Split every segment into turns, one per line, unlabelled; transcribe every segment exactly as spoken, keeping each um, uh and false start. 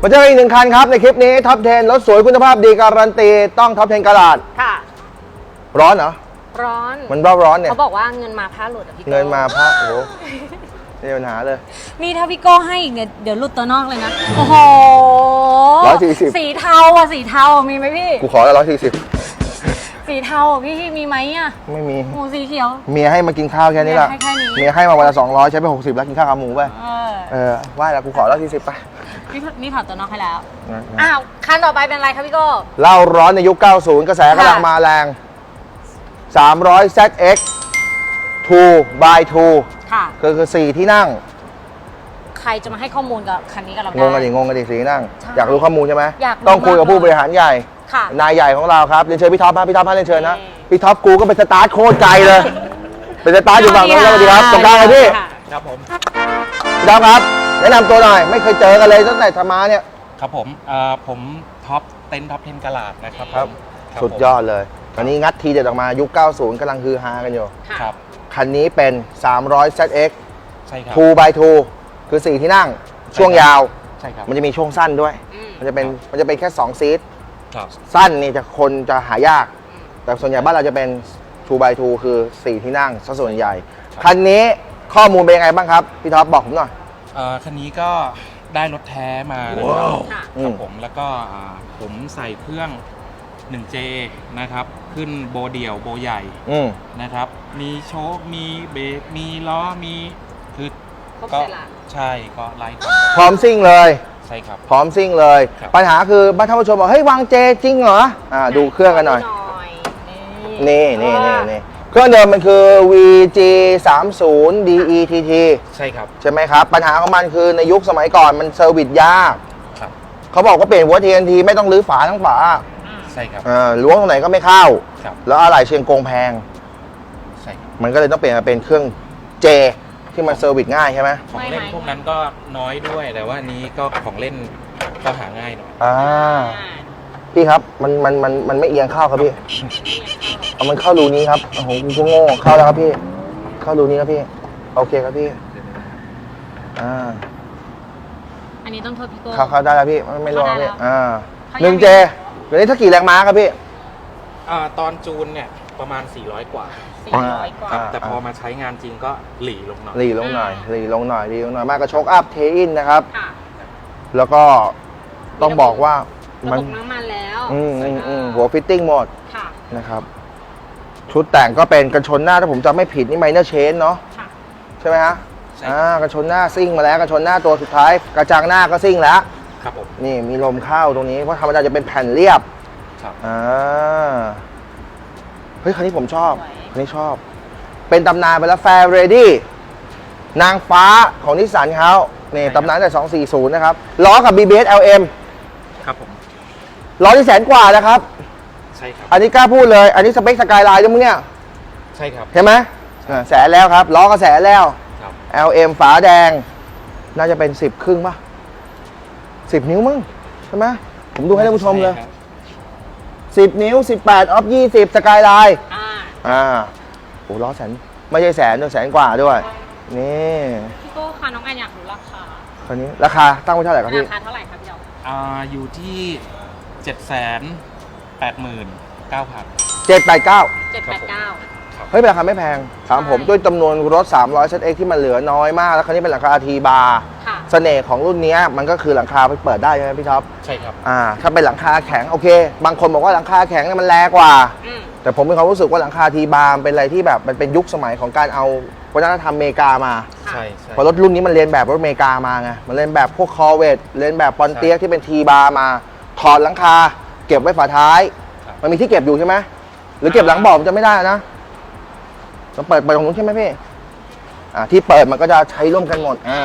เจออีกหนึ่งคันครับในคลิปนี้ท็อปสิบรถสวยคุณภาพดีการันตีต้องท็อปสิบกะลัด
ค่ะ
ร้อนเหรอ
ร้อน
มันร้อนร้อนเนี่ย
เขาบอกว่าเงินมาผ้าหลุดอ่ะพี่
เงินมาผ้าโอ้โหไม่มีปัญหาเลย
นี่ถ้าพี่โก้ให้อีกเนี่ยเดี๋ยวหลุดตัวนอกเลยนะโอ้โห
ร้อยสี่สิบ
สีเทาอ่ะสีเทามีไหมพี่
กูขอแล้วร้อยสี่สิบ
สีเทาพี่มีไหมอ่ะ
ไม่มี
หมูสีเขียว
เมียให้มากินข้าวแค่นี้แหละเมียให้มาวันละสองร้อยใช้ไปหกสิบแล้วกินข้าวกับหมูไปเออว่าแล้วกูขอร้อยสี่สิบไป
นี่นี่ถอดตัวนอกให้แล้วอ้าวคันต่อไปเป็นอะไรครับพี่โก้
เล่าร้อนในยุคเก้าสิบกระแสกำลังมาแรงสามร้อย แซด เอ็กซ์ ทู บาย ทู
ค่ะ
คือคือสี่ที่นั่ง
ใครจะมาให้ข้อมูลกับคันนี้กับเราได้
งงกันดิงงกันดิสี่ที่นั่งอยากรู้ข้อมูลใช่ไหม
อยาก
ต้องคุยกับผู้บริหารใหญ่นายใหญ่ของเราครับเรียนเชิญพี่ท็อปมาพี่ท็อปมาเรียนเชิญนะพี่ท็อปกูก็เป็นสตาร์ทโคตรไกลเลยเป็นสตาร์ทอยู่ฝั่งนู้นสวัสดีครับตรงกลางเลยพี่
ครับผม
พี่ท็อปครับแนะนำตัวหน่อยไม่เคยเจอกันเลยตั้งแต่ทำมาเนี่ย
ครับผมผมท็อปเต็นท์ท็อปสิบกะลัดนะครับ
ครับสุดยอดเลยตอนนี้งัดทีเด็ดออกมายุคเก้าสิบกำลังฮือฮากันอยู่
ครับ
คันนี้เป็นสามร้อย แซด เอ็กซ์
ใช่ครับ
ทู บาย ทู คือสี่ที่นั่งช่วงยาว
ใช่ครับ
มันจะมีช่วงสั้นด้วยมันจะเป็นมันจะเป็นแค่สองซีท
ครับ
สั้นนี่จะคนจะหายากแต่ส่วนใหญ่บ้านเราจะเป็น ทู บาย ทู คือสี่ที่นั่งซะส่วนใหญ่คันนี้ข้อมูลเป็นยังไงบ้างครับพี่ท็อปบอกผมหน่อย
คันนี้ก็ได้รถแท้มานะครับครับผมแล้วก็ผมใส่เครื่อง หนึ่งเจ นะครับขึ้นโบเดี่ยวโบใหญ่นะครับมีโชคมีเบรกมีล้อมีคือก็ใช่ก็ไล่
พร้อมซิ่งเลย
ใช่ครับ
พร้อมซิ่งเลยปัญหาคือบ้านท่านผู้ชมบอกเฮ้ยวางเจจริงเหรออ่าดูเครื่องกันหน่อยนี่นี่นี่นี่เครื่องเดิมมันคือ วี จี สามสิบ ดี อี ที ที
ใช่ครับ
ใช่ไหมครับปัญหาของมันคือในยุคสมัยก่อนมันเซอร์วิสยาก
ครับ
เขาบอกว่าเปลี่ยนหัว ที เอ็น ที ไม่ต้องรื้อฝาทั้งฝา
ใช่ครับ
อ่าล้วงตรงไหนก็ไม่เข้าแล้วอะไหล่เชียงกงแพง
ใช่
มันก็เลยต้องเปลี่ยนมาเป็นเครื่องเจที่มันเซอร์วิสง่ายใช่ไหม
ของเล่นพวกนั้นก็น้อยด้วยแต่ว่านี้ก็ของเล่นก็หาง่ายหน่อย
อ่าพี่ครับมันมันมันมันไม่เอียงเข้าครับพี่เอามันเข้ารูนี้ครับโอ้โหกูโง่เข้าแล้วครับพี่เข้ารูนี้ครับพี่โอเคครับพี่อ่า
อันนี้ต้องโทษพี่โก้
เข้าเข้าได้แล้วพี่ไม่รอพี่อ่าหนึ่งเจเดี๋ยวนี้ถ้ากี่แรงม้าครับพี่
อ่าตอนจูนเนี่ยประมาณสี่ร้อยกว่า
สี่ร้อยกว่า
แต่พอมาใช้งานจริงก็หลีลงหน่อย
หลีลงหน่อยหลีลงหน่อยหลีลงหน่อยมากกระชกอัพเทอินนะครับแล้วก็ต้องบอกว่า
มันน้ำมันแล้ว
อืมอืมอืมหัวฟิตติ้งหมดนะครับชุดแต่งก็เป็นกันชนหน้าถ้าผมจำไม่ผิดนี่ไมเนอร์เชนเนาะใช่ไหมฮะอ่ากันชนหน้าซิ่งมาแล้วกันชนหน้าตัวสุดท้ายกระจังหน้าก็ซิ่งแล้ว
ครับผม
นี่มีลมเข้าตรงนี้เพราะธรรมดาจะเป็นแผ่นเรียบ
ครับ
อ่าเฮ้ยคันนี้ผมชอบคันนี้ชอบเป็นตำนานไปแล้วแฟร์เรดี้นางฟ้าของนิสสันเขานี่ตำนานแต่สองสี่ศูนย์นะครับล้อกับ บี บี เอส แอล เอ็ม
ครับผม
ล้อที่แสนกว่านะครับ
ใช่ครับ
อันนี้กล้าพูดเลยอันนี้สเปคสกายไลน์ด้วยมึงเนี่ย
ใช่ครับ
เห็นไหมแสนแล้วครับล้อก็แสนแล้ว แอล เอ็ม ฝาแดงน่าจะเป็นสิบครึ่งป่ะสิบนิ้วมั้งใช่ไหมผมดูให้ท่านผู้ชมเลยสิบนิ้วสิบแปดออฟยี่สิบสกายไลน์อ่าอ่าโอ้ล้อแสนไม่ใช่แสนด้วยแสนกว่าด้วยนี่
พี่โก้ค่ะน้องแอนอยากรู้ราคา
คันนี้ราคาตั้งไว้เท่าไหร่ครับพี่
ราคาเท่าไหร่ครับพี่เจ้า
อ่าอยู่ที่เจ็ดแสนแปดหมื่นเก้าพัน
เจ็ดแปดเก้า
เจ็ดแปดเก้า
เฮ้ยเป็นราคาไม่แพงถามผมด้วยจำนวนรถสามร้อย แซด เอ็กซ์ ที่มันเหลือน้อยมากแล้วคันนี้เป็นหลังคา ที บาร์เสน่ห์ของรุ่นนี้มันก็คือหลังคาเปิดได้ใช่ไหมพี่ท็อป
ใช่ครับ
อ่าถ้าเป็นหลังคาแข็งโอเคบางคนบอกว่าหลังคาแข็งเนี่ยมันแรงกว่าแต่ผมมีความรู้สึกว่าหลังคา ที บาร์เป็นอะไรที่แบบมันเป็นยุคสมัยของการเอาวัฒนธรรมอเมริกามา
ใช่ใช่
เพราะรถรุ่นนี้มันเรียนแบบรถอเมริกามาไงมันเรียนแบบพวกคอร์เวตเรียนแบบปอนเตียกที่เป็น ที บาร์ มาถอดหลังคาเก็บไว้ฝาท้ายมันมีที่เก็บอยู่ใช่ไหมหรือเก็บหลังเบาะจะไม่ได้นะเราเปิดไปตรงนู้นใช่ไหมพี่อ่าที่เปิดมันก็จะใช้ร่วมกันหมดอ่า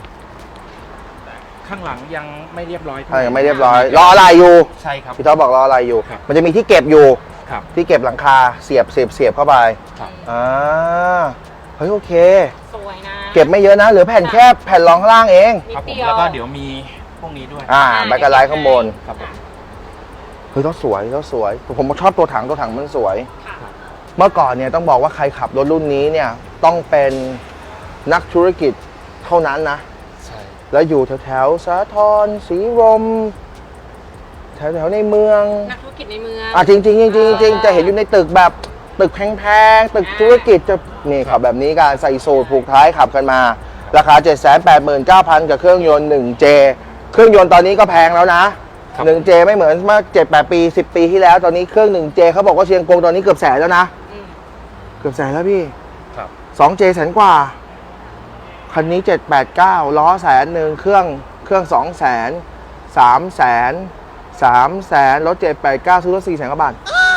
ข้างหลังยังไม่เรียบร้อย
ใช่ยังไม่เรียบร้อยรออะไรอยู่
ใช่ครับ
พี่ท็อปบอกรออะไรอยู่มันจะมีที่เก็บอยู่
ครับ
ที่เก็บหลังคาเสียบเสียบเสียบเข้าไปอ่าเฮ้ยโอเค
สวยนะ
เก็บไม่เยอะนะเหลือแผ่นแค่แผ่นรองข้างล่างเอง
ครับผมแล้วก็เดี๋ยวมีพวกนี้ด้วย
อ่าแบ็คไลท์ข้างบน
ครับผม
เฮ้ยรถสวยรถสวยผมชอบตัวถังตัวถังมันสวยเมื่อก่อนเนี่ยต้องบอกว่าใครขับรถรุ่นนี้เนี่ยต้องเป็นนักธุรกิจเท่านั้นนะ
ใช่
แล้วอยู่แถวๆสาทรศรีลมแถวๆในเมือง
นักธุรกิจในเมือง
อ่ะจริงๆจริงๆจริงๆจริงๆจะเห็นอยู่ในตึกแบบตึกแพงๆตึกธุรกิจจะนี่ขับแบบนี้กันใส่สูทผูกท้ายขับกันมา ราคา เจ็ดแสนแปดหมื่นเก้าพัน กับเครื่องยนต์ หนึ่งเจ เครื่องยนต์ตอนนี้ก็แพงแล้วนะ หนึ่งเจ ไม่เหมือนเมื่อเจ็ดแปดปีสิบปีที่แล้วตอนนี้เครื่อง หนึ่งเจ เขาบอกว่าเชียงกงตอนนี้เกือบแสนแล้วนะ
อืม
เกือบแสนแล้วพี่
ครับ
สองเจ แสนกว่า คันนี้เจ็ดแปดเก้าล้อแสนหนึ่งเครื่องเครื่องสองแสนสามแสนสามแสนรถเจ็ดแปดเก้าซื้อรถสี่แสนกว่าบาท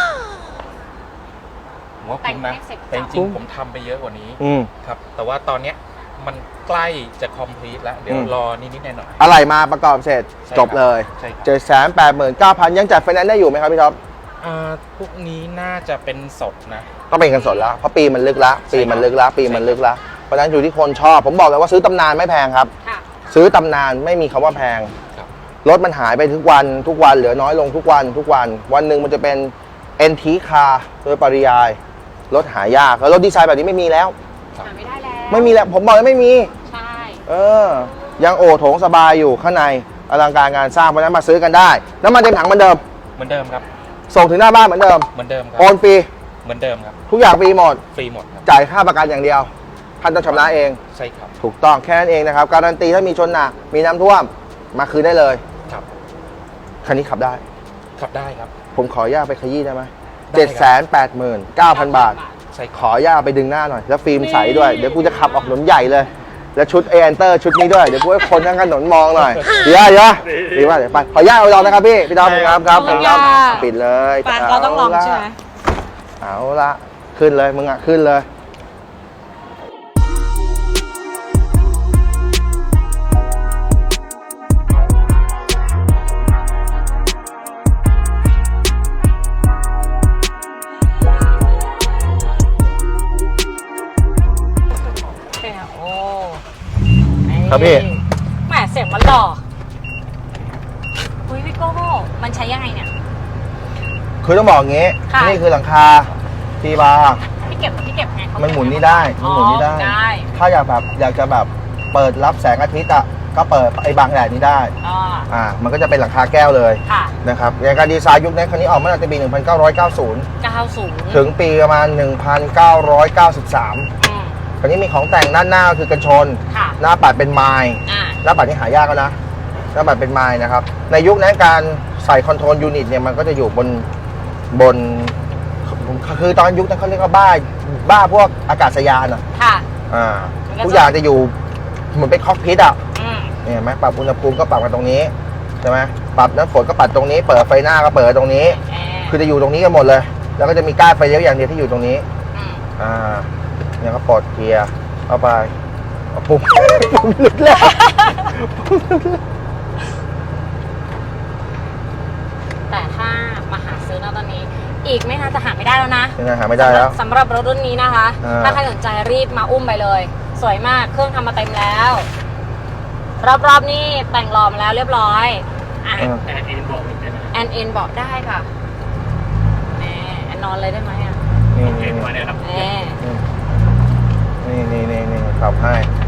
ผมว่าคุ้มนะ
แต่งให้เสร็จ
แต่จริงๆผมทำไปเยอะกว่านี้
อืม
ครับ แต่ว่าตอนเนี้ยมันใกล้จะคอมพลีทแล้ว เดี๋ยว
อืม
รอนิดๆหน่อย
อะไรมาประกอบเสร็จ
ใช่ครับ
จบเลย
ใช่ครับ
เจ็ดแสนแปดหมื่นเก้าพันยังจัดไฟแนนซ์ได้อยู่ไหมครับพี่ท็อป
ๆอ่าพวกนี้น่าจะเป็นสดนะ
ต้องเป็นเงินสดแล้ว เพราะปีมันลึกละ
ใช่
ปีมันลึกละปีมันลึกละเพราะฉะนั้นอยู่ที่คนชอบ ผมบอกเลยว่าซื้อตำนานไม่แพงครับ
ค่ะ
ซื้อตำนานไม่มีคำว่าแพง
ครับ
รถมันหายไปทุกวันทุกวันเหลือน้อยลงทุกวันทุกวัน วันหนึ่งมันจะเป็น เอ็น ที car โดยปริยาย รถหายากแล้วรถดีไซน์แบบนี้ไม่มีแล้ว
หาไม่ได้แล้ว
ไม่มีแล้วผมบอกเลยไม่มี
ใช่
เออ ยังโอโถงสบายอยู่ข้างในอลังการงานสร้างเพราะฉะนั้นมาซื้อกันได้น้ำมันเต็มถังเหมือนเดิม
เหมือนเดิมครับ
ส่งถึงหน้าบ้านเหมือนเดิม
เหมือนเดิมครับ
โอนฟรี
เหมือนเดิมครับ
ทุกอย่างฟรีหมด
ฟรีหมดครับ
จ่ายค่าประกันอย่างเดียวท่านต้องชำระเอง
ใช่ครับ
ถูกต้องแค่นั้นเองนะครับการันตีถ้ามีชนหนักมีน้ำท่วมมาคืนได้เลย
ครับ
คันนี้ขับได้
ขับได้ครับ
ผมขออนุญาตไปขยี้ได้ไหม
ได้
เจ็ด
ค
แส
รับ
นแปดหมื่นเก้าพันบาท
ใช่
ขออนุญาตไปดึงหน้าหน่อย แล้วฟิล์มใสด้วย เดี๋ยวกูจะขับออกถนนใหญ่เลย แล้วชุดเอ n เตอร์ชุดนี้ด้วย เดี๋ยวกูให้คนทั้งถนนมองหน่อยเดี๋ยวเดี๋ยวดีว่าเดี๋ยวไป ขออนุญาตเอาลองนะครับพี่ พี่ดอมครับครับ
ขอบคุณค่ะ
ปิดเลย
ปานเราต้องลองใช่ไหม
เอาละขึ้นเลยมึงอ่ะขึ้นเลย
โอ้
ครับพี่
แหมเสียงมันหล่ออุ้ยพี่โก้มันใช้ยังไงเนี่ย
คือต้องบอกอย่างงี้
ค่ะ
นี่คือหลังคาทีบาร์
พี่เก็บพี่เก็บไงเขา
มันหมุนนี่ได้มันหมุนนี่ได้
อ๋อได้
ถ้าอยากแบบอยากจะแบบเปิดรับแสงอาทิตย์อ่ะก็เปิดไอ้บางแดดนี้ได้
อ๋อ
อ่ามันก็จะเป็นหลังคาแก้วเลย
ค่ะ
นะครับในการดีไซน์ยุคนี้คันนี้ออกมาตั้งแต่ปี หนึ่งพันเก้าร้อยเก้าสิบ
เก้าศูนย์
ถึงปีประมาณ หนึ่งพันเก้าร้อยเก้าสิบสาม
อืม
คันนี้มีของแต่งด้านหน้าก็คือกันชน
ค่ะ
หน้าปัดเป็นไม้
อ่า
หน้าปัดนี่หายากแล้วนะหน้าปัดเป็นไม้นะครับในยุคนั้นการใส่คอนโทรลยูนิตเนี่ยมันก็จะอยู่บนบนคือตอนยุคนั้นเขาเรียกว่าบ้าบ้าพวกอากาศยานอ่ะ
ค่ะ
อ่า
มันก็จะ
ทุกอย่างจะอยู่เหมือนเป็นคอกพิทอ่ะ
อืม
เนี่ยเห็นไหมปรับอุณหภูมิก็ปรับกันตรงนี้ใช่ไหมปรับน้ำฝนก็ปรับตรงนี้ เปิดไฟหน้าก็เปิดตรงนี้
แอร์
คือจะอยู่ตรงนี้กันหมดเลย แล้วก็จะมีก้านไฟเลี้ยวอย่างเดียวที่อยู่ตรงนี้
อืม
อ่าเนี่ยก็ปลดเกียร์เข้าไปเอาปุ่ม ปุ่มหลุดแล้ว
แต่ถ้ามาหาซื้อนะตอนนี้ อีกไม่นานจะหาไม่ได้แล้วนะ
ยังไงหาไม่ได้แล้ว
สำหรับรถรุ่นนี้นะคะ
อ่า
ถ้าใครสนใจรีบมาอุ้มไปเลย สวยมากเครื่องทำมาเต็มแล้ว รอบๆนี่แต่งหล่อมาแล้วเรียบร้อยอ่ะ
อ่า
แต่เอ็นบอกอีกได้ไหม
แอนเอ็นบอกได้ค่ะแหมแอนนอนเลยได้ไหมอ่ะ
นี่
เอ็
นี่
นมาเนี่ยครับ
แหม
นี่นี่นี่นี่ขับให้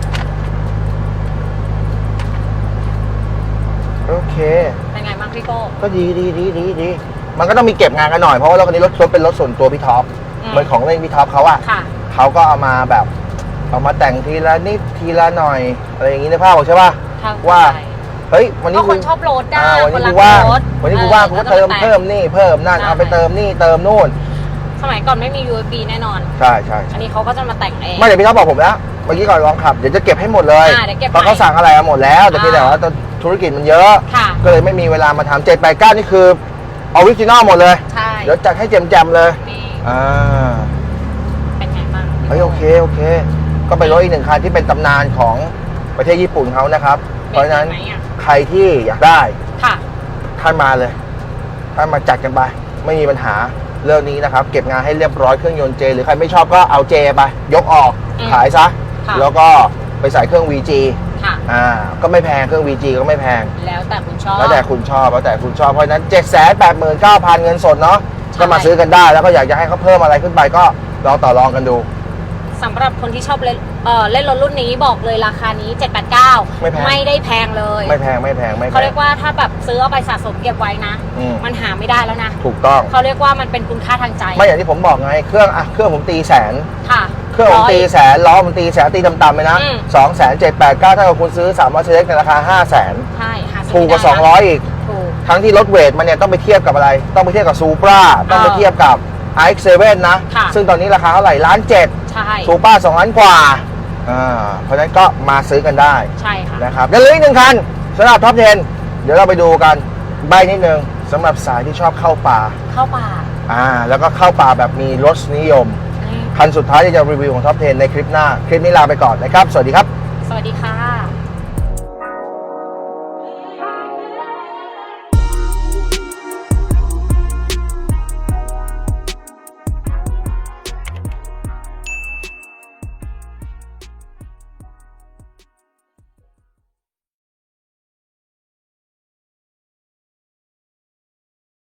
โอเค
เป็นไงบ้างพี่โก้
ก็ดีดีดีดีดีมันก็ต้องมีเก็บงานกันหน่อยเพราะว่ารถคันนี้รถรถเป็นรถส่วนตัวพี่ท็อป
อืม
เหมือนของเล่นพี่ท็อปเขาอะ
ค่ะ
เขาก็เอามาแบบเอามาแต่งทีละนิดทีละหน่อยอะไรอย่างนี้ในภาพบอกใช่ป่ะ
ทาง
ว่า
ใจ
เฮ้ยวันนี้
ก็คนชอบรถได้
อ่าวัน
คน
นี้
รั
กู
ก
ว่าง
รถ
วันนี้กูว่างกูก็เติมเพิ่มนี่เพิ่มนั่น
ใช่
เอาไปเติมนี่เติมนู่น
สมัยก่อนไม่มี ยู เอส บี แน่นอน
ใช่ใช่
อันนี้เขาก็จะมาแต่งเอง
ไม่เดี๋ยวพี่ท็อปบอกผมแล้วเมื่อกี้ก่อนลองขับเดี๋ยวจะเก็บให้หมดเลย
อ่าเดี๋ยวเก็บ
เพราะเขา
ให้
สั่งอะไรมาหมดแล้วแต่เพียงแต่
อ่า
ว่าธุรกิจมันเยอะ
ค่ะ
ก็เลยไม่มีเวลามาทำเจ็ดแปดเก้านี่คือออริจินอลหมดเลย
ใช่
เดี๋ยวจัดให้แจมๆเลย
นี่
อ่า
เป็นไงบ้าง
เฮ้ยโอเคโอเค ก็เป็นรถอีกหนึ่งคันที่เป็นตำนานของประเทศญี่ปุ่นเขานะครับ เพราะฉะนั้น
ไหมอ่ะ
ใครที่อยากได้
ค่ะ
ท่านมาเลยท่านมาจัดกันไป ไม่มีปัญหาเรื่องนี้นะครับ เก็บงานให้เรียบร้อยเครื่องยนต์เจหรือใครไม่ชอบก็เอาเจไป ยกออก
อืม
ขายซะ
ค่ะ
แล้วก็ไปใส่เครื่อง วี จี
ค่ะ
อ่าก็ไม่แพงเครื่อง วี จี ก็ไม่แพง
แล้วแต่คุณชอบ
แล้วแต่คุณชอบแล้วแต่คุณชอบเพราะฉะนั้น เจ็ดแสนแปดหมื่นเก้าพัน เงินสดเนาะ
ใช่
ก็มาซื้อกันได้แล้วก็อยากจะให้เขาเพิ่มอะไรขึ้นไปก็ลองต่อรองกันดู
สำหรับคนที่ชอบเล่นเอ่อเล่นรถรุ่นนี้บอกเลยราคานี้เจ็ดแปดเก้า
ไม่แพง
ไม่ได้แพงเลย
ไม่แพงไม่แพงไม่แพง
เขาเรียกว่าถ้าแบบซื้อเอาไปสะสมเก็บไว้นะ
อืม
มันหาไม่ได้แล้วนะ
ถูกต้อง
เขาเรียกว่ามันเป็นคุณค่าทางใจ
ไม่อย่างที่ผมบอกไงเครื่องอะเครื่องผมตีแสน
ค่ะ
เครื่องผมตี
ร้ย
แสนล้อผมตีแสนตีต่ำๆเลยนะ
อืม
สองแสนเจ็ดแปดเก้าถ้าเกิดคุณซื้อสามร้อยเล็กในราคาห้าแสน
ใช่หาซื้
ถูกกว่า
ไม่ได้นะ
สองร้อยอีก
ถูก
ทั้งที่รถเวทมันเนี่ยต้องไปเทียบกับอะไร ต้องไปเทียบกับซูปราต้องไปเทียบกับ ไอ เอ็กซ์ เซเว่น นะ
ค่ะ
ซึ่งตอนนี้ราคาเท่าไหร่ล้านเจ็ด
ใช่
ซูปราสองล้านกว่าอ่าเพราะฉะนั้นก็มาซื้อกันได้
ใช่ค่ะ
นะครับแล้วเหลืออีกหนึ่งคันสำหรับท็อปสิบเดี๋ยวเราไปดูกันใบนิดนึงสำหรับสายที่ชอบเข้าป่า
เข้าป่า
อ่าแล้วก็เข้าป่าแบบมีรสนิยม
อืม
คันสุดท้ายที่จะรีวิวของท็อปสิบในคลิปหน้า คลิปนี้ลาไปก่อนนะครับ สวัสดีครับ
สวัสดีค่ะ